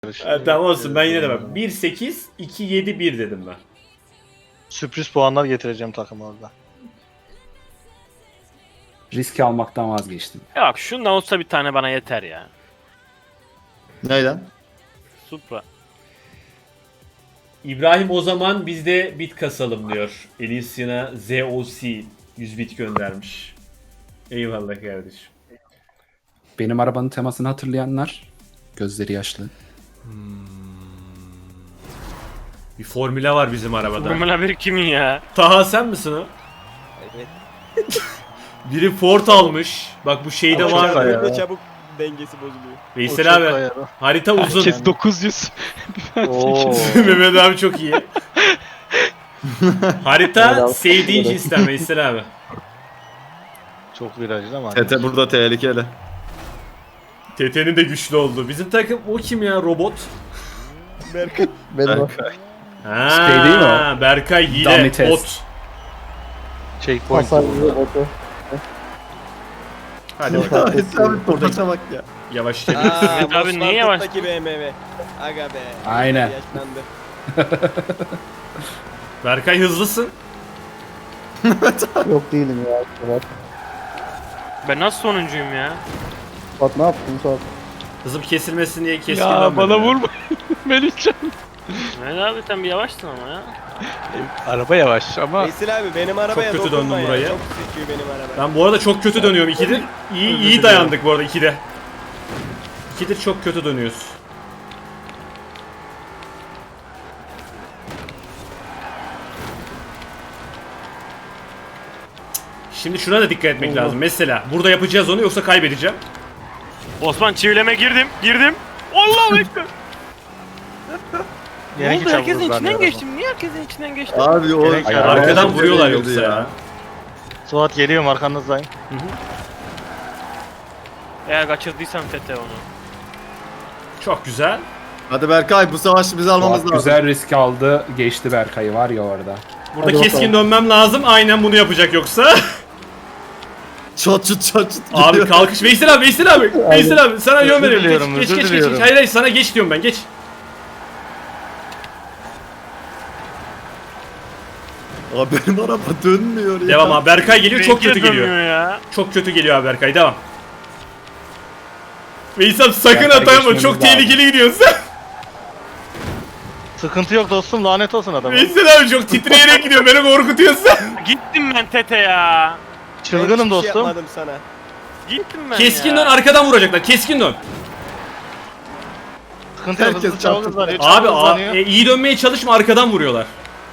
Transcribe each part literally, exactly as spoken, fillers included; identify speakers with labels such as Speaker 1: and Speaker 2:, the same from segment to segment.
Speaker 1: Ha, tamam olsun, ben yine de bak. bir sekiz iki yedi bir dedim ben.
Speaker 2: Sürpriz puanlar getireceğim takıma orada.
Speaker 3: Riski almaktan vazgeçtim.
Speaker 4: Yok şundan olsa bir tane bana yeter ya.
Speaker 5: Neyden?
Speaker 4: Supra.
Speaker 1: İbrahim o zaman biz de bit kasalım diyor. Elysian'a Z O C yüz bit göndermiş. Eyvallah kardeşim.
Speaker 3: Benim arabanın temasını hatırlayanlar gözleri yaşlı.
Speaker 1: Bir formüle var bizim arabada.
Speaker 4: Formula bir kimin ya?
Speaker 1: Taha sen misin o?
Speaker 6: Evet.
Speaker 1: Biri Ford almış. Bak bu şeyde
Speaker 2: Ama
Speaker 1: var.
Speaker 2: çok
Speaker 6: Böyle
Speaker 2: ya.
Speaker 6: çabuk dengesi bozuluyor.
Speaker 1: Veysel abi harita uzun.
Speaker 2: Herkes dokuz yüz.
Speaker 3: Oo.
Speaker 1: Mehmet abi çok iyi. Harita sevdiğin cinsten Veysel abi.
Speaker 2: Çok virajlı ama.
Speaker 5: Tete burada tehlikeli.
Speaker 1: T T'nin de güçlü oldu. Bizim takım o kim ya, robot?
Speaker 6: Berkay.
Speaker 5: Benim
Speaker 1: Ha,
Speaker 3: Şey değil mi o?
Speaker 1: Berkay hile
Speaker 3: Dummy test.
Speaker 1: bot.
Speaker 2: Checkpoint.
Speaker 1: Hadi bakalım.
Speaker 5: Abi topaça bak ya.
Speaker 1: Yavaş gel.
Speaker 6: Aaa
Speaker 4: Mehmet abi niye yavaş?
Speaker 6: B M W. Aga be.
Speaker 3: Aynen.
Speaker 6: Yaşlandı.
Speaker 1: Berkay hızlısın.
Speaker 7: Yok değilim ya. Bak,
Speaker 4: Ben nasıl sonuncuyum ya?
Speaker 7: bak ne yaptın Suat?
Speaker 1: Hızım kesilmesin diye keskin
Speaker 2: Ya
Speaker 1: dönmedim
Speaker 2: bana
Speaker 1: ya.
Speaker 2: vurma. Melihcan.
Speaker 4: Mehmet abi sen bir yavaşsın ama ya.
Speaker 2: Araba yavaş ama.
Speaker 6: Veysel abi benim arabaya
Speaker 1: kötü
Speaker 6: dokunma
Speaker 1: döndüm
Speaker 6: ya.
Speaker 1: buraya.
Speaker 6: Çok sıkıyor benim araba.
Speaker 1: Ben bu arada çok kötü dönüyorum ikidir. İyi iyi dayandık bu arada ikide. İkidir çok kötü dönüyoruz. Şimdi şuna da dikkat etmek lazım. Mesela burada yapacağız onu, yoksa kaybedeceğim.
Speaker 4: Osman çivileme girdim. Girdim. Allahu ekber. Ne
Speaker 2: Yine
Speaker 4: oldu?
Speaker 2: hiç
Speaker 4: Herkesin
Speaker 2: vururlar
Speaker 4: içinden
Speaker 2: ya
Speaker 4: geçtim. Niye herkesin içinden geçtim?
Speaker 5: Abi o
Speaker 2: Gerek-
Speaker 5: arkadan
Speaker 1: Arkadan
Speaker 5: girdi
Speaker 1: vuruyorlar
Speaker 5: ya.
Speaker 1: yoksa ya.
Speaker 2: Suat geliyorum arkanızdayım.
Speaker 4: Eğer kaçırdıysam Tete onu.
Speaker 1: Çok güzel.
Speaker 5: Hadi Berkay, bu savaşı biz almamız
Speaker 3: Suat
Speaker 5: lazım.
Speaker 3: güzel risk aldı. Geçti Berkay'ı var ya orada.
Speaker 1: Burada
Speaker 7: Hadi
Speaker 1: keskin
Speaker 7: bakalım.
Speaker 1: dönmem lazım. Aynen bunu yapacak yoksa.
Speaker 5: Çat çut çat çut
Speaker 1: Abi
Speaker 5: gidiyor.
Speaker 1: kalkış. Veysel abi, Veysel abi. Veysel abi sana yön
Speaker 2: Özür
Speaker 1: veriyorum. Geç,
Speaker 2: diliyorum,
Speaker 1: geç,
Speaker 2: özür
Speaker 1: geç, geç,
Speaker 2: diliyorum.
Speaker 1: geç. Hayır hayır, sana geç diyorum ben, geç.
Speaker 5: Abi benim araba dönmüyor ya.
Speaker 1: Devam abi. Berkay geliyor, çok kötü
Speaker 4: Benimki de
Speaker 1: geliyor.
Speaker 4: dönmüyor ya.
Speaker 1: Çok kötü geliyor abi Berkay, devam. Veysel abi sakın
Speaker 3: Berkay
Speaker 1: atama,
Speaker 3: geçmemiz
Speaker 1: çok
Speaker 3: lazım.
Speaker 1: tehlikeli gidiyorsun sen.
Speaker 2: Sıkıntı yok dostum, lanet olsun adama.
Speaker 1: Veysel abi çok titreyerek gidiyor, beni korkutuyorsun.
Speaker 4: Gittim ben Tete ya.
Speaker 6: Ben
Speaker 2: Çılgınım
Speaker 6: hiçbir şey
Speaker 2: dostum.
Speaker 6: yapmadım sana.
Speaker 4: Gittim ben
Speaker 1: Keskin
Speaker 4: ya.
Speaker 1: dön, arkadan vuracaklar, keskin dön.
Speaker 2: Sıkıntı yok,
Speaker 5: Herkes
Speaker 2: hızlı çabuk
Speaker 5: çarptı.
Speaker 2: hızlanıyor.
Speaker 1: Abi
Speaker 2: çabuk
Speaker 1: a,
Speaker 2: hızlanıyor.
Speaker 1: e, iyi dönmeye çalışma, arkadan vuruyorlar.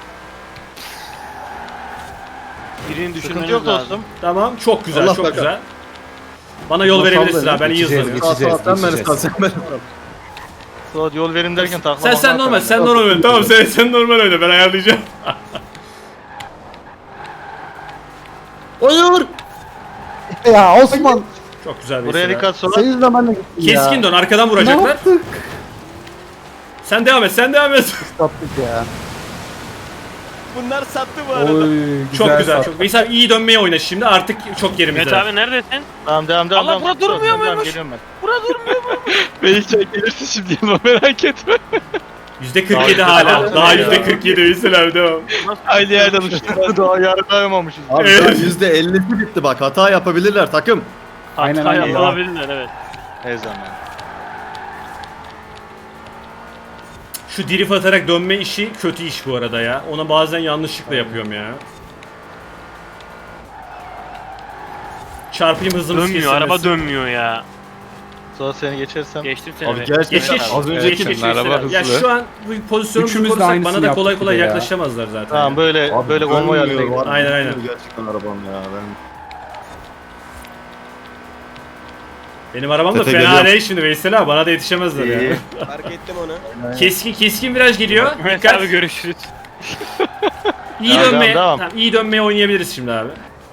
Speaker 4: Birini
Speaker 2: Sıkıntı
Speaker 4: düşürmeniz
Speaker 2: yok
Speaker 4: lazım.
Speaker 2: dostum.
Speaker 1: Tamam, çok güzel,
Speaker 5: Allah
Speaker 1: çok
Speaker 5: bakar.
Speaker 1: güzel. Bana yol
Speaker 3: Nasıl
Speaker 1: verebilirsin
Speaker 3: oldu?
Speaker 1: abi, ben iyi
Speaker 3: Geçeceğiz,
Speaker 1: hızlanıyorum.
Speaker 3: geçeceğiz.
Speaker 5: Sağ sağ sen beni
Speaker 3: geçeceğiz.
Speaker 5: sağ sen beni.
Speaker 2: Suat yol verin derken takma.
Speaker 1: Sen sen normal, sen normal oyna. Tamam, sen sen normal oyna, ben ayarlayacağım.
Speaker 5: Hayır.
Speaker 7: Ya Osman,
Speaker 1: Çok güzel
Speaker 2: Buraya
Speaker 1: Veysel abi.
Speaker 2: dikkat Suat.
Speaker 7: senin yüzünden ben de gittim ya.
Speaker 1: Keskin dön, arkadan
Speaker 7: Ne
Speaker 1: vuracaklar.
Speaker 7: yaptık?
Speaker 1: Sen devam et, sen devam et.
Speaker 7: Sattık ya.
Speaker 6: Bunlar sattı bu arada.
Speaker 3: Oy, güzel
Speaker 1: Çok güzel,
Speaker 3: sat.
Speaker 1: çok. Veysel abi iyi dönmeye oyna şimdi, artık çok
Speaker 4: Mehmet
Speaker 1: yerimizde.
Speaker 4: abi neredesin?
Speaker 2: Tamam devam devam.
Speaker 4: Allah,
Speaker 2: devam.
Speaker 4: bura durmuyor
Speaker 2: Devam, devam,
Speaker 4: muymuş?
Speaker 2: Geliyorum ben.
Speaker 4: Bura durmuyor mu?
Speaker 2: Melihcan gelirsin şimdi yanıma, merak etme.
Speaker 1: yüzde kırk yedi
Speaker 2: Daha
Speaker 1: hala.
Speaker 2: yüzde
Speaker 1: Daha
Speaker 2: kırk
Speaker 1: yüzde
Speaker 2: ya.
Speaker 1: kırk yedi Veysel abi, devam.
Speaker 2: Aynı yerden uçtuk. Daha yargılayamamışız.
Speaker 5: Abi
Speaker 1: Evet.
Speaker 5: yüzde ellisi bitti bak, hata yapabilirler takım.
Speaker 3: Aynen,
Speaker 4: Hata
Speaker 3: aynen.
Speaker 4: yapılabilirler, evet.
Speaker 2: Ne zaman?
Speaker 1: Şu drift atarak dönme işi kötü iş bu arada ya. Ona bazen yanlışlıkla yapıyorum ya. Çarpayım, hızımız
Speaker 4: Dönmüyor,
Speaker 1: kesilmesin.
Speaker 4: araba dönmüyor ya.
Speaker 2: Suat seni geçersem.
Speaker 4: Geçtim seni
Speaker 5: Abi
Speaker 4: be.
Speaker 5: gerçekten
Speaker 1: Geç geç.
Speaker 2: Az
Speaker 1: Geç,
Speaker 2: önceki
Speaker 1: geç, geç,
Speaker 2: araba
Speaker 1: Veysel abi. Ya
Speaker 2: hızlı.
Speaker 1: şu an bu pozisyonumuzu
Speaker 3: Üçümüz de
Speaker 1: korusak
Speaker 3: aynısını
Speaker 1: bana da kolay
Speaker 3: yaptık
Speaker 1: kolay
Speaker 3: bir de ya.
Speaker 1: yaklaşamazlar zaten.
Speaker 2: Tamam böyle
Speaker 5: Abi
Speaker 2: böyle konvoy haline
Speaker 5: dönmüyor,
Speaker 2: gidelim.
Speaker 5: var,
Speaker 1: Aynen, aynen.
Speaker 5: dönmüyor Gerçekten arabam ya. Ben...
Speaker 1: Benim arabam da
Speaker 5: Tete
Speaker 1: fena
Speaker 5: geliyor.
Speaker 1: değil şimdi Veysel abi, bana da yetişemezler ya.
Speaker 5: İyi.
Speaker 6: Fark ettim onu.
Speaker 1: Keskin keskin viraj geliyor.
Speaker 4: Mehmet
Speaker 1: Dikkat.
Speaker 4: abi görüşürüz.
Speaker 1: İyi
Speaker 2: Devam,
Speaker 1: dönmeye.
Speaker 2: devam.
Speaker 1: Tamam, iyi dönmeye oynayabiliriz şimdi abi.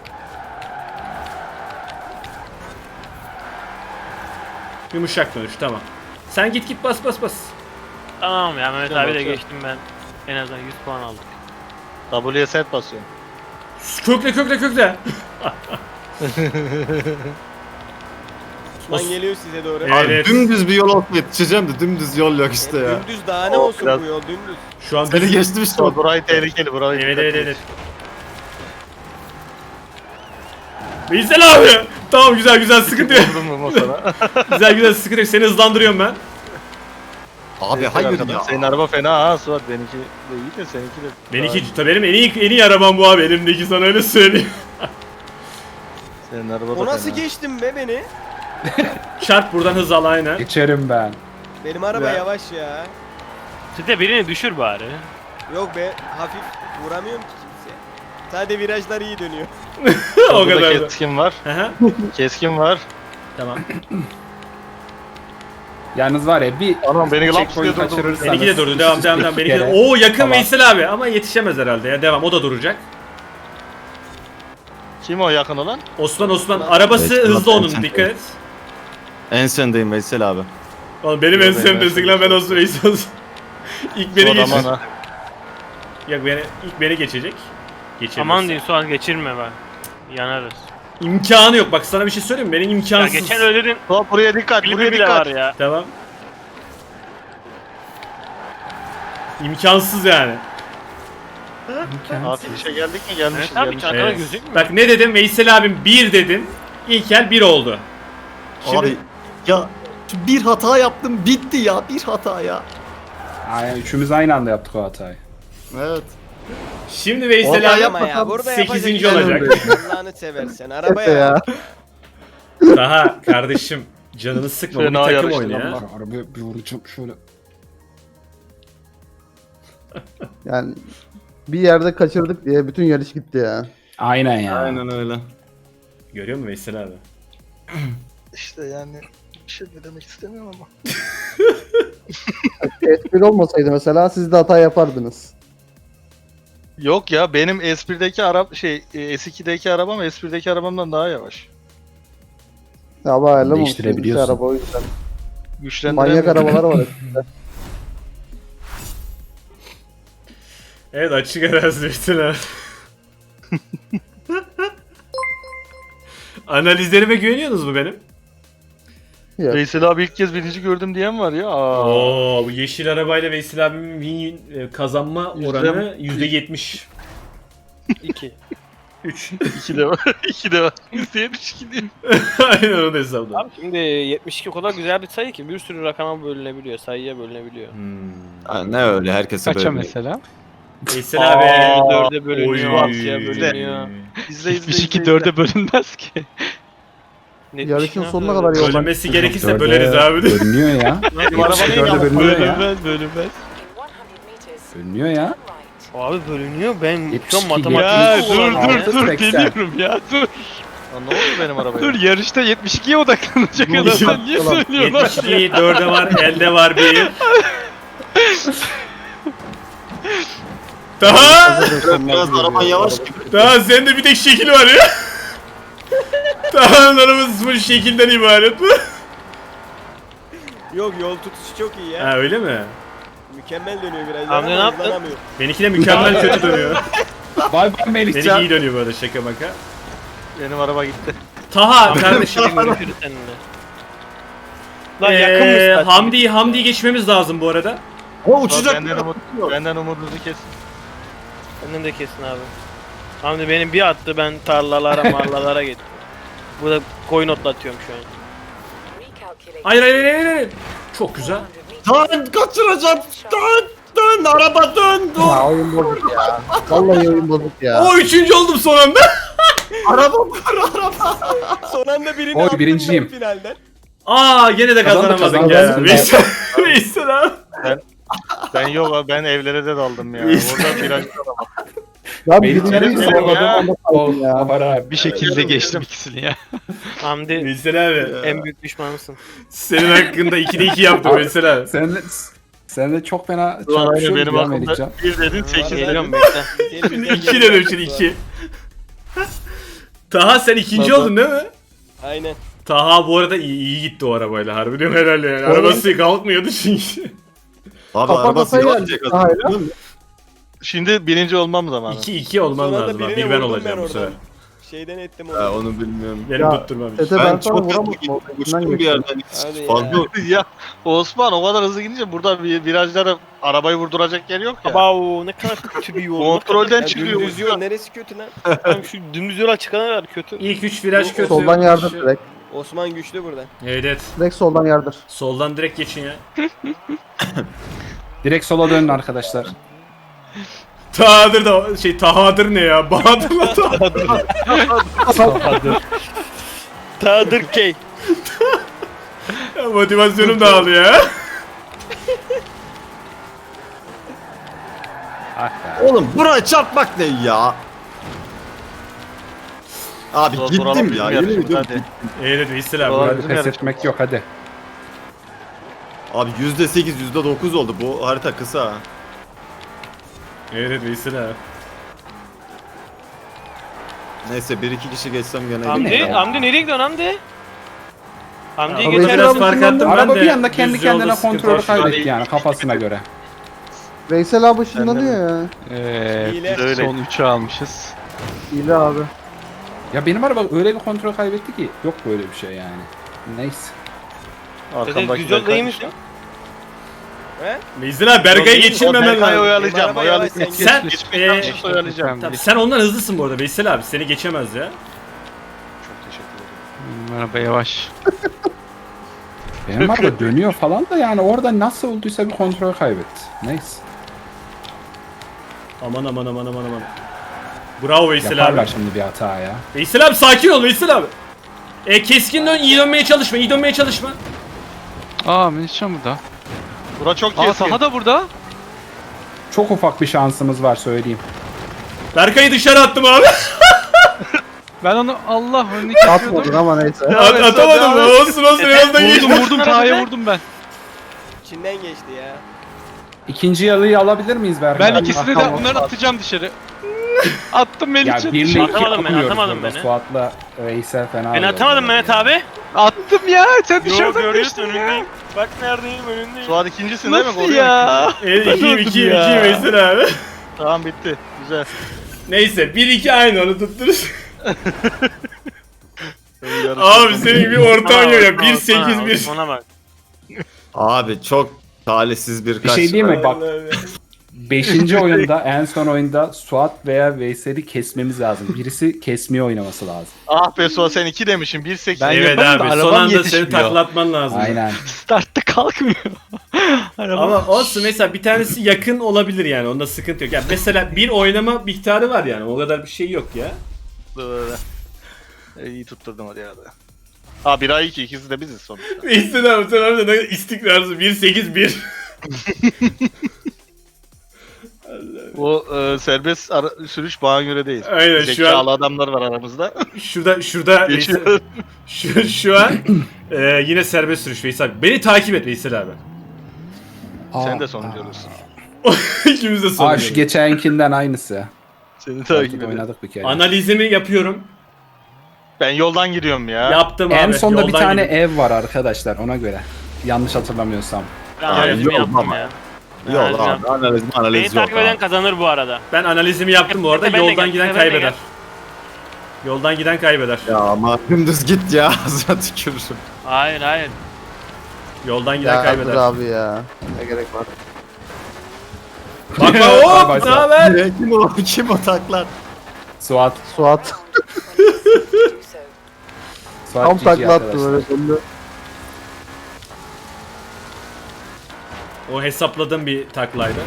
Speaker 1: Yumuşak dönüş, tamam. Sen git git bas bas bas.
Speaker 4: Tamam ya, Mehmet
Speaker 2: Tamam,
Speaker 4: abi de
Speaker 2: tamam.
Speaker 4: geçtim ben. En azından yüz puan aldık.
Speaker 2: W'ye set basıyorum.
Speaker 1: Kökle kökle kökle.
Speaker 6: Osman
Speaker 1: Os-
Speaker 6: geliyor size doğru.
Speaker 1: Evet.
Speaker 5: Abi dümdüz bir yol olsa yetişeceğim de dümdüz yol yok işte ya.
Speaker 6: Dümdüz daha ne
Speaker 2: O
Speaker 6: olsun
Speaker 2: biraz-
Speaker 6: bu yol dümdüz.
Speaker 1: Şu an
Speaker 5: Seni geçtim işte.
Speaker 2: So, burayı tehlikeli burayı.
Speaker 1: Evet
Speaker 2: dikkat
Speaker 1: evet
Speaker 2: et.
Speaker 1: evet. Veysel abi. Tamam güzel güzel sıkıntı yok.
Speaker 2: Vurdun mu masana?
Speaker 1: güzel güzel sıkıntı yok. Seni hızlandırıyorum ben.
Speaker 5: Abi hayır ya.
Speaker 2: Senin araba fena ha Suat. Benimki de iyi de seninki de.
Speaker 1: Benimki tabii benim en iyi en iyi arabam bu abi. Elimdeki sana öyle söyleyeyim.
Speaker 2: Senin araba da
Speaker 6: O nasıl
Speaker 2: fena.
Speaker 6: geçtin be beni?
Speaker 1: Çarp buradan hız al aynen.
Speaker 3: Geçerim ben.
Speaker 6: Benim araba
Speaker 1: Ve-
Speaker 6: yavaş ya.
Speaker 4: Site birini düşür bari.
Speaker 6: Yok be hafif vuramıyorum ki kimse. Sadece virajlar iyi dönüyor.
Speaker 1: o
Speaker 2: Burada
Speaker 1: kadar da.
Speaker 2: keskin var.
Speaker 1: Hı hı.
Speaker 2: Keskin var.
Speaker 1: Tamam.
Speaker 3: Yalnız var ya bir
Speaker 2: Anam beni laps diye
Speaker 3: checkpoint
Speaker 2: durdu.
Speaker 3: kaçırırsanız.
Speaker 1: Benimki de durdu. Devam devam devam. Benimki de.
Speaker 3: kere
Speaker 1: Oo yakın
Speaker 3: falan.
Speaker 1: Veysel abi ama yetişemez herhalde ya. Devam. O da duracak.
Speaker 2: Kim o yakın olan?
Speaker 1: Osman Osman arabası
Speaker 5: Evet,
Speaker 1: hızlı
Speaker 5: ben
Speaker 1: onun
Speaker 5: sen-
Speaker 1: dikkat et.
Speaker 5: En sendeyim Veysel abi.
Speaker 1: Oğlum benim en
Speaker 2: Yok, benim en
Speaker 1: sevdiğim lan ben Osman Veysel olsun. İlk beni
Speaker 2: Suat aman
Speaker 1: geçecek.
Speaker 2: ha.
Speaker 1: Yok beni ilk beni geçecek. Geçemez.
Speaker 4: Aman diyeyim Suat geçirme bak. Yanarız.
Speaker 1: İmkanı yok. Bak sana bir şey söyleyeyim mi? Benim
Speaker 4: Ya
Speaker 1: imkansız.
Speaker 4: geçen öyle dedin.
Speaker 2: Suat buraya dikkat.
Speaker 4: Klibi
Speaker 2: Buraya
Speaker 4: bile
Speaker 2: dikkat.
Speaker 4: var ya.
Speaker 1: Tamam. İmkansız yani.
Speaker 2: Abi işe geldik mi? Gelmişiz.
Speaker 4: Evet abi
Speaker 2: gelmişiz.
Speaker 4: çantana
Speaker 1: Evet.
Speaker 4: gözükmüyor.
Speaker 1: Bak ne dedim? Veysel abim bir dedim. İlkel bir oldu. Şimdi
Speaker 5: Abi ya şu bir hata yaptım bitti ya bir hata ya.
Speaker 3: Aynen üçümüz aynı anda yaptık o hatayı.
Speaker 5: Evet.
Speaker 1: şimdi Veysel
Speaker 5: Orada
Speaker 1: abi
Speaker 6: Yapma ya burada
Speaker 1: sekizinci
Speaker 6: yapacak bir şey
Speaker 1: olacak.
Speaker 6: yok. Allah'ını seversen
Speaker 7: Efe
Speaker 6: arabaya.
Speaker 7: ya.
Speaker 1: Daha kardeşim canını sıkma. Bu bir
Speaker 2: Fena
Speaker 1: takım
Speaker 2: yarıştı
Speaker 1: oyunu
Speaker 2: lan
Speaker 1: ya.
Speaker 2: bak.
Speaker 3: Şu arabaya bir vuracağım şöyle.
Speaker 7: Yani bir yerde kaçırdık diye bütün yarış gitti ya.
Speaker 3: Aynen ya.
Speaker 5: Aynen öyle.
Speaker 1: Görüyor musun Veysel abi?
Speaker 2: İşte yani bir şey de demek istemiyorum ama.
Speaker 7: Espri olmasaydı mesela siz de hata yapardınız.
Speaker 2: Yok ya benim S bir'deki araba şey e, S iki'deki arabam S bir'deki arabamdan daha yavaş.
Speaker 7: Ya ama ayarlamamışsınız
Speaker 3: Değiştirebiliyorsun.
Speaker 7: işte araba o yüzden.
Speaker 2: Güçlendiremiyorum.
Speaker 7: Manyak arabalar var. hepsinde.
Speaker 1: Evet açık arazi Veysel abi. Analizlerime güveniyorsunuz mu benim?
Speaker 7: Yok.
Speaker 2: Veysel abi ilk kez birinci gördüm diyen var ya. Aa.
Speaker 1: Oo bu yeşil arabayla Veysel abimin win e, kazanma
Speaker 2: Yüzde-
Speaker 1: oranı yüzde yetmiş
Speaker 4: İki.
Speaker 1: üç.
Speaker 2: İki de var. İki de var. yüzde yetmiş iki diyor.
Speaker 1: Aynen onu da hesapladım.
Speaker 4: Abi şimdi yetmiş iki o kadar güzel bir sayı ki bir sürü rakama bölünebiliyor, sayıya bölünebiliyor.
Speaker 1: Hmm.
Speaker 5: Ha, ne öyle herkese
Speaker 8: Kaça
Speaker 5: böyle.
Speaker 8: mesela?
Speaker 1: Veysel abi.
Speaker 2: Aa,
Speaker 4: Dörde bölünüyor,
Speaker 1: Oy.
Speaker 4: altıya bölünüyor.
Speaker 2: İzle izle
Speaker 8: yetmiş
Speaker 2: izle.
Speaker 8: iki
Speaker 2: izle.
Speaker 8: dörde bölünmez ki.
Speaker 7: Yarışın
Speaker 4: Netmiş
Speaker 7: sonuna
Speaker 4: ne
Speaker 7: kadar yolda.
Speaker 1: Bölünmesi gerekirse
Speaker 3: Dörde
Speaker 1: böleriz abi.
Speaker 3: Bölünüyor ya.
Speaker 2: Benim araba
Speaker 3: Yetmiş
Speaker 2: ne
Speaker 3: dörde
Speaker 2: ya?
Speaker 3: bölünüyor ya.
Speaker 8: Bölünmez bölünmez.
Speaker 3: Bölünüyor ya.
Speaker 4: Abi bölünüyor ben
Speaker 3: yetmiş
Speaker 4: şu an
Speaker 3: iki,
Speaker 4: matematik
Speaker 8: Ya
Speaker 3: yetmiş
Speaker 8: dur
Speaker 3: altı,
Speaker 8: dur dur
Speaker 3: seksen.
Speaker 8: geliyorum ya dur.
Speaker 2: Lan ne oldu benim arabaya?
Speaker 8: Dur yarışta yetmiş ikiye odaklanacak adam sen niye söylüyorsun lan?
Speaker 1: yetmiş iki, dörde var, elde var bir. Daha,
Speaker 5: Biraz araban yavaş gibi.
Speaker 1: daha sende bir tek şekil var ya. Daha arabası full şekilden ibaret bu.
Speaker 6: Yok yol tutuşu çok iyi ya.
Speaker 1: Ha öyle mi?
Speaker 6: Mükemmel dönüyor virajlar
Speaker 4: Hamdi ne
Speaker 6: ama
Speaker 4: yaptın?
Speaker 6: hızlanamıyor.
Speaker 1: Benimki de mükemmel kötü dönüyor.
Speaker 3: Bay bay
Speaker 1: Benimki
Speaker 3: Melihcan.
Speaker 1: iyi dönüyor bu arada şaka maka.
Speaker 2: Benim araba gitti.
Speaker 1: Taha kardeşim.
Speaker 4: görüşürüz seninle. Lan yakın
Speaker 1: Ee,
Speaker 4: mısın?
Speaker 1: Hamdi'yi Hamdi'yi geçmemiz lazım bu arada.
Speaker 5: O
Speaker 2: Suat,
Speaker 5: uçacak.
Speaker 2: benden, umut, benden umudunuzu kes.
Speaker 4: Senden de kesin abi. Hamdi benim bir attı ben tarlalara marlalara gittim. Burada koyun otlatıyorum şu an.
Speaker 1: Hayır hayır hayır hayır, hayır. Çok güzel.
Speaker 5: Dön kaçıracağım. Dön dön araba dön. Dur.
Speaker 7: Ya oyun bozuk ya. Vallahi oyun bozuk ya.
Speaker 1: O üçüncü oldum son anda.
Speaker 5: Araba vur araba.
Speaker 6: Son anda birini
Speaker 3: Oy,
Speaker 6: attım
Speaker 3: birinciyim.
Speaker 6: ben finalden.
Speaker 1: Aa gene de
Speaker 3: Kazandık,
Speaker 1: kazanamadık
Speaker 3: kazandık.
Speaker 1: ya. Veysel, Veysel abi.
Speaker 2: Ben yok abi ben evlere de daldım ya. Orada viraj
Speaker 7: Ya
Speaker 3: Melihcan'ı
Speaker 7: birinciyi
Speaker 3: sormadım.
Speaker 7: sormadım
Speaker 3: O
Speaker 7: ya.
Speaker 3: var abi.
Speaker 8: Bir şekilde geçtim ikisini ya.
Speaker 4: Hamdi
Speaker 1: Veysel abi.
Speaker 4: en büyük düşmanısın.
Speaker 1: Senin hakkında ikide iki yaptım Veysel abi.
Speaker 3: Sen de, sen de çok fena
Speaker 2: Aynı
Speaker 3: çarpışıyorsun
Speaker 2: benim
Speaker 3: ya
Speaker 2: aklımda
Speaker 3: Melihcan.
Speaker 2: bir dedin sekiz
Speaker 4: Geliyorum
Speaker 2: dedin.
Speaker 4: bekle.
Speaker 1: Şimdi iki dedim şimdi iki. Taha sen ikinci
Speaker 2: Baba.
Speaker 1: oldun değil mi?
Speaker 6: Aynen.
Speaker 1: Taha bu arada iyi, iyi gitti o arabayla harbi diyorum herhalde yani. Arabası kalkmıyordu çünkü.
Speaker 5: Abi
Speaker 7: Kafa
Speaker 5: arabası
Speaker 7: kafaya
Speaker 5: yavaş
Speaker 7: geldik.
Speaker 5: kazandı.
Speaker 7: Hayır.
Speaker 2: Şimdi birinci olmam zamanı.
Speaker 1: iki iki olman
Speaker 6: Son anda
Speaker 1: lazım abi.
Speaker 6: birine
Speaker 1: Bir ben
Speaker 6: vurdum
Speaker 1: olacağım
Speaker 6: ben
Speaker 1: bu sefer.
Speaker 6: oradan. Şeyden ettim
Speaker 5: Ha,
Speaker 6: onu.
Speaker 5: onu bilmiyorum.
Speaker 1: Benim
Speaker 7: Ya,
Speaker 1: tutturmamış.
Speaker 7: Tete
Speaker 5: Ben
Speaker 7: ben sana
Speaker 5: çok
Speaker 7: vuramadım.
Speaker 5: hızlı
Speaker 7: o
Speaker 5: gittim,
Speaker 7: içinden
Speaker 5: uçtum bir
Speaker 7: geçti.
Speaker 5: yerden.
Speaker 6: Hadi ya.
Speaker 5: Fazla
Speaker 2: Ya Osman o kadar hızlı gidince burada bir virajlara arabayı vurduracak yer yok ya.
Speaker 4: Abav ne kadar kötü bir yol.
Speaker 2: Kontrolden
Speaker 6: Ya
Speaker 2: çıkıyor.
Speaker 6: dümdüz yol neresi kötü lan?
Speaker 4: Tamam şu dümdüz yola çıkana kadar kötü.
Speaker 1: İlk üç viraj kötü.
Speaker 7: Soldan yardır direkt.
Speaker 6: Osman güçlü burada.
Speaker 1: Evet evet.
Speaker 7: Direkt soldan yardır.
Speaker 1: Soldan direkt geçin ya.
Speaker 3: Direkt sola dönün arkadaşlar.
Speaker 1: Tahadır da şey Tahadır ne ya? Bahadır'la Tahadır.
Speaker 3: Tahadır.
Speaker 4: Tadır key.
Speaker 1: Ya, motivasyonum dağılıyor ya.
Speaker 3: Ah be.
Speaker 5: Oğlum buraya çarpmak ne ya? Abi
Speaker 2: Zor-
Speaker 5: gittim
Speaker 2: duralım
Speaker 5: ya.
Speaker 2: bizim
Speaker 5: Yemin
Speaker 2: yarışımızda,
Speaker 5: ediyorum.
Speaker 2: hadi.
Speaker 1: Evet Veysel abi.
Speaker 2: Doğru.
Speaker 3: Hadi
Speaker 2: bizim
Speaker 3: pes
Speaker 2: yarışımız.
Speaker 3: etmek yok hadi.
Speaker 5: Abi yüzde sekiz, yüzde dokuz oldu. Bu harita kısa.
Speaker 1: Evet Veysel abi.
Speaker 5: Neyse bir iki kişi geçsem gene
Speaker 4: Hamdi,
Speaker 5: iyi.
Speaker 4: Hamdi nereye gidiyorsun Hamdi? Hamdi'yi
Speaker 1: Araba
Speaker 4: geçer
Speaker 1: biraz
Speaker 4: misin?
Speaker 1: fark attım ben
Speaker 3: Araba
Speaker 1: de.
Speaker 3: bir anda kendi
Speaker 1: düz yolda
Speaker 3: kendine
Speaker 1: sıkıntı
Speaker 3: kontrolü
Speaker 1: var.
Speaker 3: kaybetti yani kafasına göre.
Speaker 7: Veysel abi ışınlanıyor ya.
Speaker 8: Evet.
Speaker 6: Hile.
Speaker 8: Biz son üçü almışız.
Speaker 7: İyi abi.
Speaker 3: Ya benim araba öyle bir kontrol kaybetti ki yok böyle bir şey yani. Neyse.
Speaker 4: Dede düz yolda iyi misin?
Speaker 1: Veysel abi Berkay'ı geçirmemen
Speaker 2: Berkay'ı
Speaker 1: lazım.
Speaker 2: oyalayacağım.
Speaker 6: Araba yavaş,
Speaker 2: Oyalayacağım.
Speaker 6: sen
Speaker 1: Sen,
Speaker 2: Geçmiş
Speaker 1: eee,
Speaker 2: yanlış oyalayacağım.
Speaker 1: Tamam, sen ondan hızlısın bu arada Veysel abi. Seni geçemez ya.
Speaker 2: Çok teşekkür ederim.
Speaker 8: Hmm, Araba yavaş.
Speaker 3: Benim araba dönüyor falan da yani orada nasıl olduysa bir kontrol kaybetti. Neyse.
Speaker 1: Aman aman aman aman aman. Bravo Veysel
Speaker 3: Yaparlar
Speaker 1: abi.
Speaker 3: şimdi bir hata ya.
Speaker 1: Veysel abi sakin ol Veysel abi. E, keskin dön, iyi dönmeye çalışma, iyi dönmeye çalışma.
Speaker 8: Aa Melihcan burada.
Speaker 2: Bura çok
Speaker 8: Aa
Speaker 2: keskin.
Speaker 8: Taha da burada.
Speaker 3: Çok ufak bir şansımız var söyleyeyim.
Speaker 1: Berkay'ı dışarı attım abi.
Speaker 8: Ben onu Allah önüne
Speaker 7: Atmadın
Speaker 8: kesiyordum.
Speaker 7: ama neyse.
Speaker 1: At, atamadım mı? Olsun olsun yoldan
Speaker 8: Vurdum
Speaker 1: geçtim.
Speaker 8: vurdum Taha'ya vurdum ben.
Speaker 6: İçinden geçti ya.
Speaker 3: İkinci yalıyı alabilir miyiz Berkay?
Speaker 8: Ben ikisini de
Speaker 7: tamam.
Speaker 8: bunları atacağım dışarı. Attım
Speaker 3: Ya
Speaker 8: Melihcan
Speaker 3: birle
Speaker 8: dışarı.
Speaker 3: iki
Speaker 4: Atamadım ben,
Speaker 3: atmıyoruz
Speaker 4: atamadım
Speaker 3: burada.
Speaker 4: beni.
Speaker 3: Suat'la Veysel fena.
Speaker 4: Ben
Speaker 3: oluyor
Speaker 4: atamadım
Speaker 3: böyle
Speaker 4: Mehmet
Speaker 3: ya.
Speaker 4: abi.
Speaker 8: Attım ya sen
Speaker 4: Yo
Speaker 8: dışarıdan
Speaker 4: görüyorsun
Speaker 8: geçtin ya.
Speaker 4: önündeyim. Bak neredeyim önündeyim.
Speaker 2: Suat ikincisin değil mi?
Speaker 8: Nasıl
Speaker 2: Koruyor
Speaker 8: ya?
Speaker 1: Evet
Speaker 8: Ben
Speaker 1: iki
Speaker 8: öldüm
Speaker 1: iki
Speaker 8: ya.
Speaker 1: iki Veysel abi.
Speaker 2: Tamam bitti. Güzel.
Speaker 1: Neyse bir iki aynı onu tuttururuz.
Speaker 2: Yarışma
Speaker 1: Abi
Speaker 2: sonu.
Speaker 1: senin bir ortağın yok ya.
Speaker 4: Osman,
Speaker 1: bir sekiz bir.
Speaker 4: Osman'a bak.
Speaker 5: Abi çok talihsiz bir
Speaker 3: Bir
Speaker 5: kaç.
Speaker 3: şey değil mi? Bak
Speaker 1: Vallahi.
Speaker 3: beşinci oyunda en son oyunda Suat veya Veysel'i kesmemiz lazım. Birisi kesmeye oynaması lazım.
Speaker 2: Ah be Suat sen iki demişsin. bir sekiz.
Speaker 8: Ben
Speaker 1: Evet
Speaker 8: yaparım da
Speaker 1: abi son
Speaker 8: arabam
Speaker 1: anda seni
Speaker 8: yetişmiyor.
Speaker 1: taklatman lazım.
Speaker 3: Aynen.
Speaker 8: Startta kalkmıyor. Araba.
Speaker 1: Ama olsun mesela bir tanesi yakın olabilir yani onda sıkıntı yok. Yani mesela bir oynama miktarı var yani o kadar bir şey yok ya.
Speaker 2: E, iyi tutturdum hadi hadi. Ha bir ay iki ikisi de biziz sonuçta.
Speaker 1: Veysel abi sen orada ne istikrarsın bir sekiz bir.
Speaker 2: O e, serbest ara- sürüş bana göre değil.
Speaker 1: Aynen şu
Speaker 2: Zekalı
Speaker 1: an
Speaker 2: adamlar var aramızda.
Speaker 1: şurada şurada Veysel,
Speaker 2: Geçiyor.
Speaker 1: şu, şu an e, yine serbest sürüş Veysel abi. Beni takip et Veysel abi.
Speaker 2: Sen de
Speaker 3: Aa,
Speaker 2: sonuncu olursun.
Speaker 1: İkimiz de
Speaker 3: Aa
Speaker 1: sonunda.
Speaker 3: şu geçenkinden aynısı.
Speaker 2: Seni takip
Speaker 3: Takip
Speaker 2: ederim.
Speaker 3: oynadık bir kere.
Speaker 1: Analizimi yapıyorum.
Speaker 2: Ben yoldan giriyorum ya.
Speaker 1: Yaptım abi.
Speaker 3: En sonda bir
Speaker 1: yoldan
Speaker 3: tane
Speaker 1: gidiyorum.
Speaker 3: ev var arkadaşlar ona göre. Yanlış hatırlamıyorsam.
Speaker 4: Ben analizimi
Speaker 5: yok
Speaker 4: yaptım
Speaker 5: ama.
Speaker 4: ya.
Speaker 5: Yok
Speaker 4: Analizimi
Speaker 5: abi
Speaker 4: yaptım.
Speaker 5: analiz
Speaker 4: Beni
Speaker 5: analiz yok
Speaker 4: takip eden
Speaker 5: abi.
Speaker 4: kazanır bu arada.
Speaker 1: Ben analizimi yaptım bu arada.
Speaker 4: Ben de
Speaker 1: Yoldan
Speaker 4: gel,
Speaker 1: giden
Speaker 4: ben de
Speaker 1: kaybeder.
Speaker 4: gel.
Speaker 1: Yoldan giden kaybeder.
Speaker 5: Ya ama dümdüz git ya. Ağzına tükürürüm.
Speaker 4: Hayır hayır.
Speaker 1: Yoldan giden
Speaker 7: Ya
Speaker 1: kaybeder.
Speaker 7: dur abi ya. Ne gerek var?
Speaker 1: Bak bak
Speaker 3: Bay
Speaker 1: hop
Speaker 3: bay
Speaker 1: ne haber?
Speaker 5: Direkt Kim o? Kim o taklar?
Speaker 3: Suat.
Speaker 7: Suat
Speaker 3: Suat
Speaker 7: tam
Speaker 3: G G
Speaker 7: takla attı
Speaker 3: arkadaşlar.
Speaker 7: böyle döndü.
Speaker 1: O hesapladığım bir taklaydı.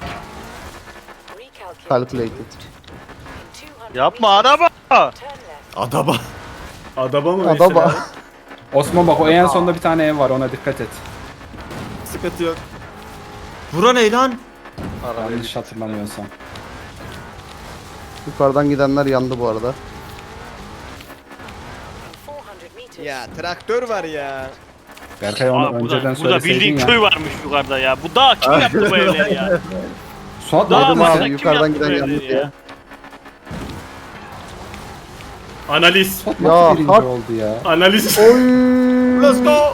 Speaker 7: Calculated.
Speaker 2: Yapma araba.
Speaker 5: Adaba.
Speaker 1: Adaba mı
Speaker 7: Adaba.
Speaker 1: mesela?
Speaker 3: Osman bak o en sonda bir tane ev var ona dikkat et.
Speaker 5: Sıkıntı yok. Bura ne lan?
Speaker 3: Yanlış hatırlamıyorsam.
Speaker 7: Yukarıdan gidenler yandı bu arada.
Speaker 6: Ya traktör var ya.
Speaker 3: Berkay onu
Speaker 4: Aa, burada,
Speaker 3: önceden
Speaker 4: burada
Speaker 3: söyleseydin
Speaker 4: bildiğin
Speaker 3: ya.
Speaker 4: köy varmış yukarıda ya. Bu dağ kim yaptı bu evleri ya?
Speaker 3: Suat
Speaker 4: Dağ
Speaker 3: orada
Speaker 7: Dedim
Speaker 4: başına
Speaker 3: mısın?
Speaker 7: abi
Speaker 4: kim
Speaker 7: yukarıdan
Speaker 4: yaptı bu
Speaker 7: giden yandı
Speaker 4: evleri
Speaker 7: diye.
Speaker 4: ya?
Speaker 1: Analiz.
Speaker 3: Suat
Speaker 7: Ya,
Speaker 3: nasıl birinci
Speaker 7: hak-
Speaker 3: oldu ya?
Speaker 1: Analiz.
Speaker 7: Oy.
Speaker 5: Let's go.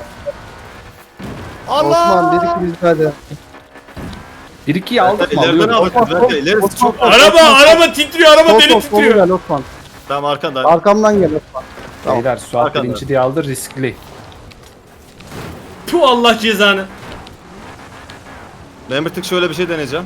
Speaker 7: Osman dedik ki biz hadi.
Speaker 3: bir ikiyi aldık mı?
Speaker 5: İleriden
Speaker 3: Alıyoruz.
Speaker 5: aldık. İleriden ilerisi çok.
Speaker 1: Araba araba titriyor araba deli
Speaker 7: Sol sol solu
Speaker 1: titriyor.
Speaker 7: gel Osman.
Speaker 5: Tamam arkanda.
Speaker 7: Arkamdan gel. Tamam.
Speaker 3: Beyler Suat
Speaker 5: Arkanda.
Speaker 3: birinci diye aldı riskli.
Speaker 1: Tu Allah cezanı.
Speaker 5: Ben bir tık şöyle bir şey deneyeceğim.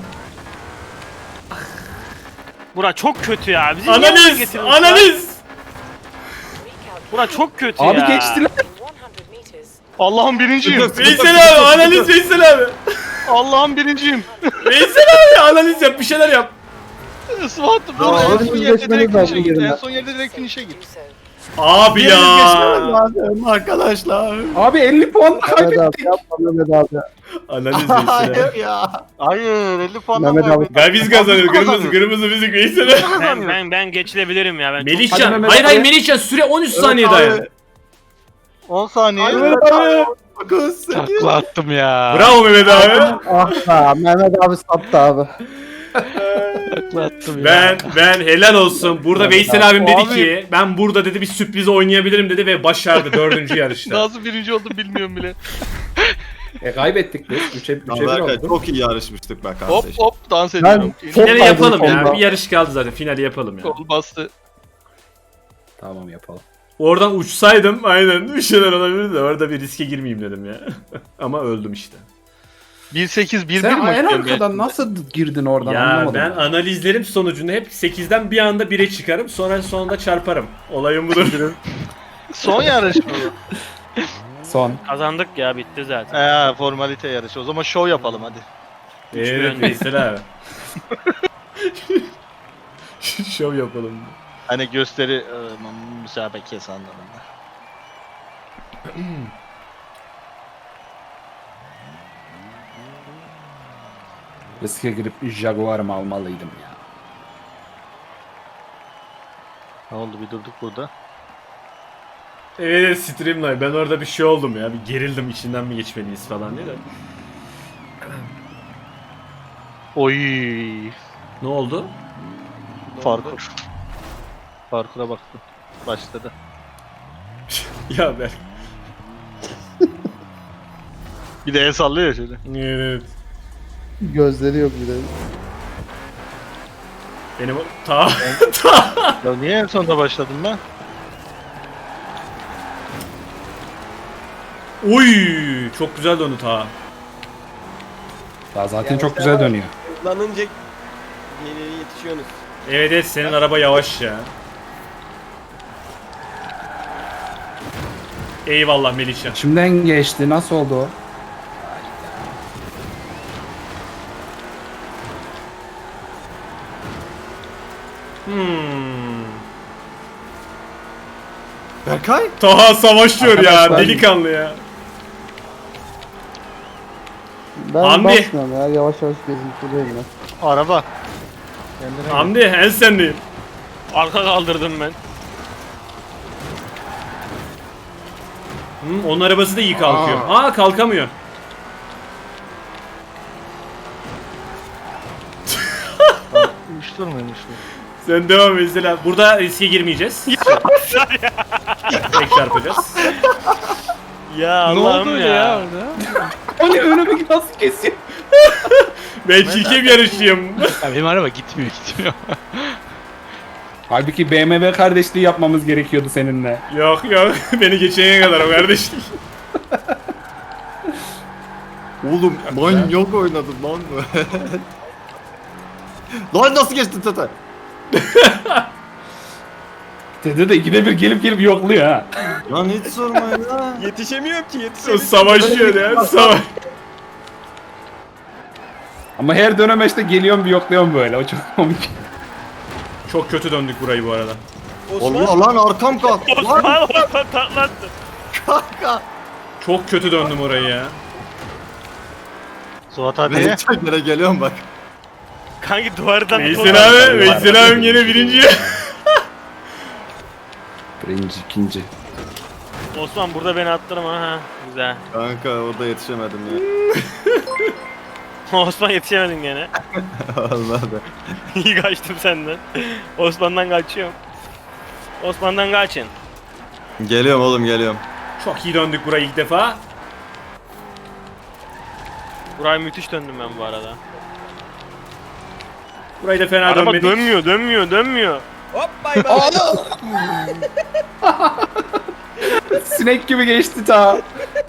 Speaker 4: Bura çok kötü ya. Bizi niye buraya
Speaker 1: Analiz!
Speaker 4: getirdin?
Speaker 1: Analiz!
Speaker 4: Bura çok kötü
Speaker 3: Abi
Speaker 4: ya.
Speaker 3: geçtiler.
Speaker 2: Allah'ım birinciyim.
Speaker 1: Veysel abi analiz Veysel abi.
Speaker 2: Allah'ım birinciyim.
Speaker 1: Veysel abi analiz yap bir şeyler yap.
Speaker 2: Suat
Speaker 7: Ya,
Speaker 2: burada en
Speaker 7: hadi
Speaker 2: son
Speaker 7: biz
Speaker 2: yerde
Speaker 7: geçmeliyiz
Speaker 2: direkt finish'e
Speaker 7: belki
Speaker 2: git. En
Speaker 7: yerinden.
Speaker 2: son yerde direkt finish'e git.
Speaker 1: Abi ya.
Speaker 5: Lazım arkadaşlar.
Speaker 3: Abi elli puan
Speaker 7: Mehmet
Speaker 3: kaybettik.
Speaker 7: abi yapma Mehmet abi.
Speaker 1: Analiz Veysel abi.
Speaker 5: Hayır ya.
Speaker 2: Hayır elli puandan
Speaker 7: Mehmet abi.
Speaker 2: kaybettik.
Speaker 1: Ben biz kazanıyoruz.
Speaker 2: Biz
Speaker 1: Kırmızı
Speaker 2: kazanıyoruz.
Speaker 1: kırmızı bizim Veysel abi.
Speaker 4: Ben, ben, ben geçilebilirim ya. Ben çok-
Speaker 3: Hadi
Speaker 1: Melihcan.
Speaker 3: Mehmet
Speaker 1: Hayır
Speaker 3: abi.
Speaker 1: hayır Melihcan süre on üç saniye dayan.
Speaker 2: on saniye.
Speaker 5: dokuz, sekiz.
Speaker 8: Takla attım ya.
Speaker 1: Bravo Mehmet abi.
Speaker 7: Ah be Mehmet abi sattı abi.
Speaker 8: Takla attım ya.
Speaker 1: Ben ben helal olsun. Burada
Speaker 3: Mehmet
Speaker 1: Veysel
Speaker 3: abi.
Speaker 1: abim dedi
Speaker 2: Abi.
Speaker 1: ki ben burada dedi bir sürpriz oynayabilirim dedi ve başardı dördüncü yarışta.
Speaker 2: Nasıl birinci oldum bilmiyorum bile.
Speaker 3: E kaybettik biz. üçe üçe bir
Speaker 5: Berkay
Speaker 3: oldu.
Speaker 5: çok iyi yarışmıştık be
Speaker 2: Hop
Speaker 5: kardeşim.
Speaker 2: hop dans
Speaker 7: Ben
Speaker 2: ediyorum.
Speaker 7: çok
Speaker 1: Finali
Speaker 7: kaydım
Speaker 1: yapalım ya.
Speaker 7: sonunda.
Speaker 1: Bir yarış kaldı zaten. Finali yapalım ya.
Speaker 2: Kol bastı.
Speaker 3: Tamam yapalım.
Speaker 1: Oradan uçsaydım aynen bir şeyler olabilirdi. Orada bir riske girmeyeyim dedim ya. Ama öldüm işte.
Speaker 2: bir sekiz bir bir
Speaker 3: Sen
Speaker 2: mi?
Speaker 3: en arkadan nasıl girdin oradan
Speaker 1: Ya
Speaker 3: anlamadım.
Speaker 1: ben analizlerim sonucunda hep sekizden bir anda bire çıkarım. Sonra sonunda çarparım. Olayım budur.
Speaker 2: Son yarış mı?
Speaker 3: Son.
Speaker 4: Kazandık ya bitti zaten.
Speaker 2: Eee formalite yarışı. O zaman show yapalım hadi.
Speaker 1: Evet Veysel abi. Şov yapalım.
Speaker 2: Hani gösteri e, müsabakası anlamında.
Speaker 3: Riske girip Jaguar'ımı almalıydım ya.
Speaker 2: Ne oldu bir durduk burada.
Speaker 1: Evet Streamline ben orada bir şey oldum ya. Bir gerildim içinden mi geçmeliyiz falan diye de.
Speaker 2: Oy.
Speaker 1: Ne oldu?
Speaker 2: Parkur. Parkura baktım. Başladı.
Speaker 1: Ya ben.
Speaker 2: Bir de el sallıyor ya şöyle.
Speaker 1: Evet.
Speaker 7: Gözleri yok bir de.
Speaker 1: Benim o- ta
Speaker 2: Ya niye en sonunda başladım ben?
Speaker 1: Oy çok güzel döndü ta.
Speaker 3: Daha zaten
Speaker 6: Yani
Speaker 3: çok
Speaker 6: sen
Speaker 3: güzel
Speaker 6: var ya,
Speaker 3: dönüyor.
Speaker 6: Hızlanınca geriye yetişiyorsunuz.
Speaker 1: Evet evet senin araba yavaş ya. Eyvallah Melihcan.
Speaker 3: İçimden geçti. Nasıl oldu o?
Speaker 1: Hmm.
Speaker 5: Berkay?
Speaker 1: Taha savaşıyor ya
Speaker 7: Arkadaşlar-
Speaker 1: delikanlı ya.
Speaker 7: Ben
Speaker 1: Hamdi.
Speaker 7: basmıyorum ya yavaş yavaş gezintiliyorum ben.
Speaker 2: Araba. Kendine gel.
Speaker 1: Hamdi en sendeyim.
Speaker 4: Arka kaldırdım ben.
Speaker 1: Hmm, onun arabası da iyi kalkıyor. Aa kalkamıyor.
Speaker 2: Uyuşturma uyuşturma.
Speaker 1: Sen devam et mesela. Burada riske girmeyeceğiz. Tek çarpacağız.
Speaker 4: Ya
Speaker 8: Ne
Speaker 4: Allah'ım
Speaker 8: oldu
Speaker 4: ya.
Speaker 8: ya orada?
Speaker 3: O ne önümü nasıl kesiyor?
Speaker 1: Ben çirkin yarışçıyım.
Speaker 8: Ya benim araba gitmiyor gitmiyor.
Speaker 3: Halbuki B M W kardeşliği yapmamız gerekiyordu seninle.
Speaker 1: Yok yok beni geçene kadar o kardeşlik.
Speaker 5: Oğlum manyak oynadım lan. Lan nasıl geçtin Tata?
Speaker 3: Dede de ikide bir gelip gelip yokluyor ha.
Speaker 5: Lan hiç sorma ya.
Speaker 6: Yetişemiyorum ki
Speaker 1: O
Speaker 6: yetişemiyorum.
Speaker 1: savaşıyor ya savaş.
Speaker 3: Ama her dönemeçte geliyorum bir yokluyorum böyle. O çok komik.
Speaker 1: Çok kötü döndük burayı bu arada.
Speaker 6: Osman
Speaker 5: Allah lan arkam kalk. Lan
Speaker 4: Osman Osman tatlattı.
Speaker 5: kanka.
Speaker 1: Çok kötü döndüm orayı ya.
Speaker 2: Suat hadi.
Speaker 5: Ben çekere geliyorum bak.
Speaker 4: Kanki duvardan
Speaker 1: Veysel abi, Veysel abim yine birinci.
Speaker 3: Birinci, ikinci.
Speaker 4: Osman burada beni attırma ha. Güzel.
Speaker 5: Kanka orada yetişemedim ya.
Speaker 4: Osman yetişemedin gene.
Speaker 5: Allah be.
Speaker 4: İyi kaçtım senden. Osman'dan kaçıyorum. Osman'dan kaçın.
Speaker 5: Geliyorum oğlum geliyorum.
Speaker 1: Çok iyi döndük burayı ilk defa.
Speaker 4: Buraya müthiş döndüm ben bu arada.
Speaker 1: Burayı da fena
Speaker 4: Araba
Speaker 1: dönmedik.
Speaker 4: dönmüyor, dönmüyor, dönmüyor.
Speaker 6: Hop bay bay.
Speaker 3: Sinek gibi geçti ta.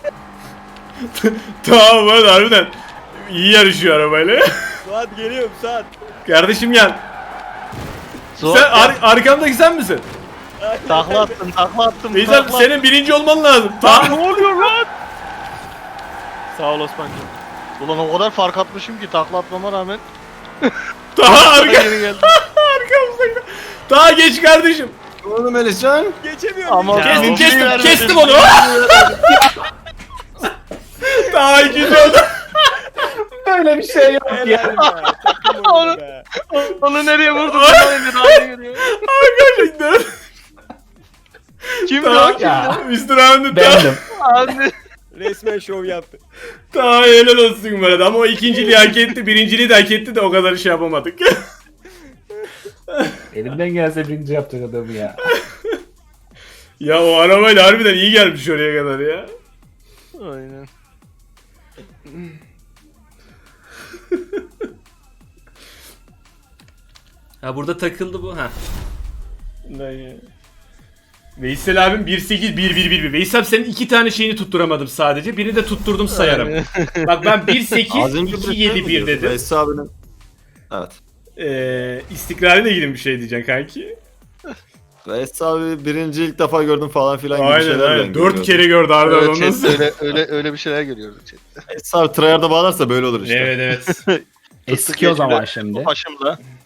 Speaker 1: Tamam hadi harbiden. İyi yarışıyor arabayla.
Speaker 6: Suat geliyorum Suat.
Speaker 1: Kardeşim gel.
Speaker 2: Suat
Speaker 1: Sen
Speaker 2: ya,
Speaker 1: ar- arkamdaki sen misin?
Speaker 2: takla attım takla attım.
Speaker 1: Veysel
Speaker 2: takla
Speaker 1: senin birinci olman lazım. Tamam.
Speaker 4: Ne oluyor lan? Sağ ol Osman'cığım.
Speaker 2: attım. Ulan o kadar fark atmışım ki takla atmama rağmen.
Speaker 1: Daha arka
Speaker 2: Geri geldim.
Speaker 1: arkamızda. Daha geç kardeşim.
Speaker 5: Oğlum Melihcan.
Speaker 6: Geçemiyorum.
Speaker 2: Ama
Speaker 4: Ya,
Speaker 1: Kestim
Speaker 4: o
Speaker 1: kestim
Speaker 2: bilgiyi
Speaker 1: kestim
Speaker 2: vermedim.
Speaker 1: onu. Daha ikinci oldu.
Speaker 3: Böyle bir şey yok ya.
Speaker 6: Helal be. Takım oyunu be.
Speaker 2: Onu nereye vurdun? Onu daha iyi geliyor.
Speaker 1: Gerçekten.
Speaker 2: Kim
Speaker 1: Daha-
Speaker 2: o? Kim?
Speaker 3: Ya
Speaker 1: mister Ahmet daha,
Speaker 3: bendim.
Speaker 2: Abi.
Speaker 6: Resmen şov yaptı.
Speaker 1: daha helal olsun bu arada ama o ikinciliği hak etti, birinciliği de hak etti de o kadar şey yapamadık.
Speaker 3: Elimden gelse birinci yapacak adamı ya.
Speaker 1: Ya o arabayla harbiden iyi gelmiş oraya kadar ya.
Speaker 2: Aynen.
Speaker 1: Ha burada takıldı bu ha. Veysel abim bir sekiz bir bir bir bir. Veysel senin iki tane şeyini tutturamadım sadece. Birini de tutturdum sayarım. Bak ben bir sekiz
Speaker 5: Az önce
Speaker 1: iki yedi bir dedim.
Speaker 5: Veysel abinin. Evet.
Speaker 1: Ee, istikrarıyla ilgili bir şey diyeceksin kanki.
Speaker 5: Veysel abi birinci ilk defa gördüm falan filan gibi
Speaker 1: Aynen
Speaker 5: şeyler
Speaker 1: aynen.
Speaker 5: ben
Speaker 1: Dört
Speaker 5: görüyorum.
Speaker 1: kere gördü Arda
Speaker 2: Evet,
Speaker 1: onu
Speaker 2: chat,
Speaker 1: nasıl?
Speaker 2: öyle, öyle, öyle bir şeyler görüyoruz. chat.
Speaker 5: Veysel abi tryhard'a bağlarsa böyle olur işte.
Speaker 1: Evet evet.
Speaker 3: Eski o zaman şimdi.
Speaker 2: Başımda.